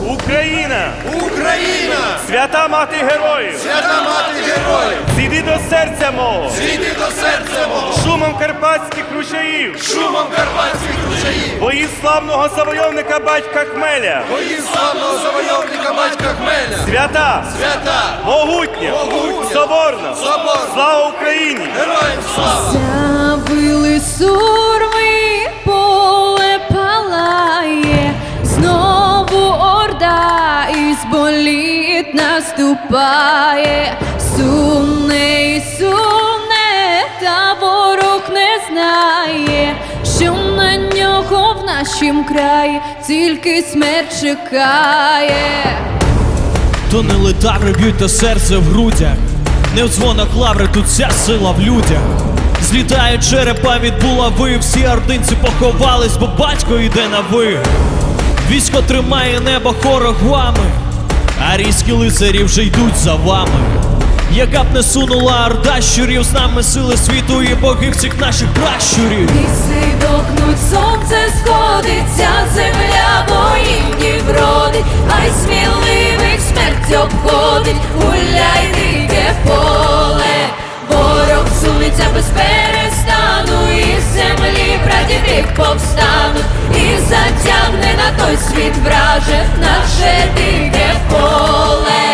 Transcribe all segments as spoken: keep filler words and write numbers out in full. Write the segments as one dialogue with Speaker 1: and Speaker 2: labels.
Speaker 1: Україна!
Speaker 2: Україна!
Speaker 1: Свята мати героїв!
Speaker 2: Свята мати героїв!
Speaker 1: Зійди до серця мого!
Speaker 2: Зійди до серця мого!
Speaker 1: Шумом карпатських ручаїв!
Speaker 2: Шумом карпатських ручаїв!
Speaker 1: Бої славного завойовника батька Хмеля!
Speaker 2: Бої славного завойовника батька Хмеля!
Speaker 1: Свята!
Speaker 2: Свята!
Speaker 1: Могутня!
Speaker 2: Могутня!
Speaker 1: Соборна!
Speaker 2: Соборна!
Speaker 1: Слава Україні!
Speaker 2: Героям слава!
Speaker 3: Забили сурми, поле палає, знову орда із боліт наступає. Сумне і сумне, та ворог не знає, що на нього в нашім краї тільки смерть чекає.
Speaker 4: То не летаври б'ють, та серце в грудях, не в дзвонах лаври, тут вся сила в людях. Злітають черепа від булави, всі ординці поховались, бо батько йде на ви. Військо тримає небо хорогвами, а різкі лицарі вже йдуть за вами. Яка б не сунула орда щурів, з нами сили світу і боги всіх наших пращурів.
Speaker 3: Ліси дохнуть, сонце сходиться, земля воїнів родить, хай сміливих смерть обходить, гуляй дике поле. Ворог сунеться без перестану, і з землі прадіди повстануть, і затягне на той світ враже наше дике поле.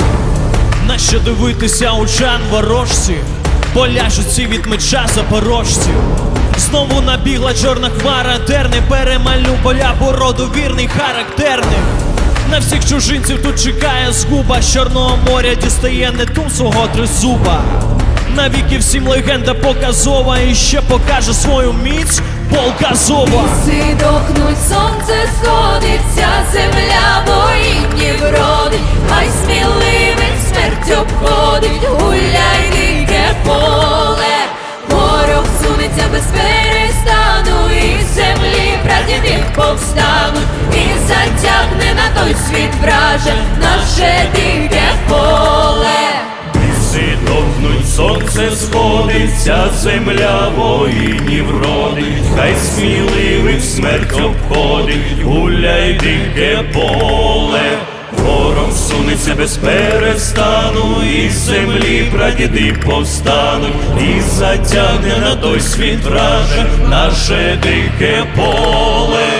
Speaker 4: Нащо дивитися очам ворожці, поляжуть всі від меча запорожців. Знову набігла чорна хмара, терни, перемалю поля породу вірний характерних. На всіх чужинців тут чекає згуба, з Чорного моря дістає Нетун свого тризуба. Навіки всім легенда показова, і ще покаже свою міць полк Азова.
Speaker 3: Ліси дохнуть, сонце сходиться, земля воїнів родить, хай сміливих смерть обходить, гуляй дике поле. Ворог сунеться без перестану, і з землі прадіди повстануть, і затягне на той світ враже наше дике поле.
Speaker 1: Ліси дохнуть, сонце сходиться, земля воїнів родить, хай сміливих смерть обходить, гуляй дике поле. Ворог сунеться без перестану, і з землі прадіди повстануть, і затягне на той світ враже наше дике поле.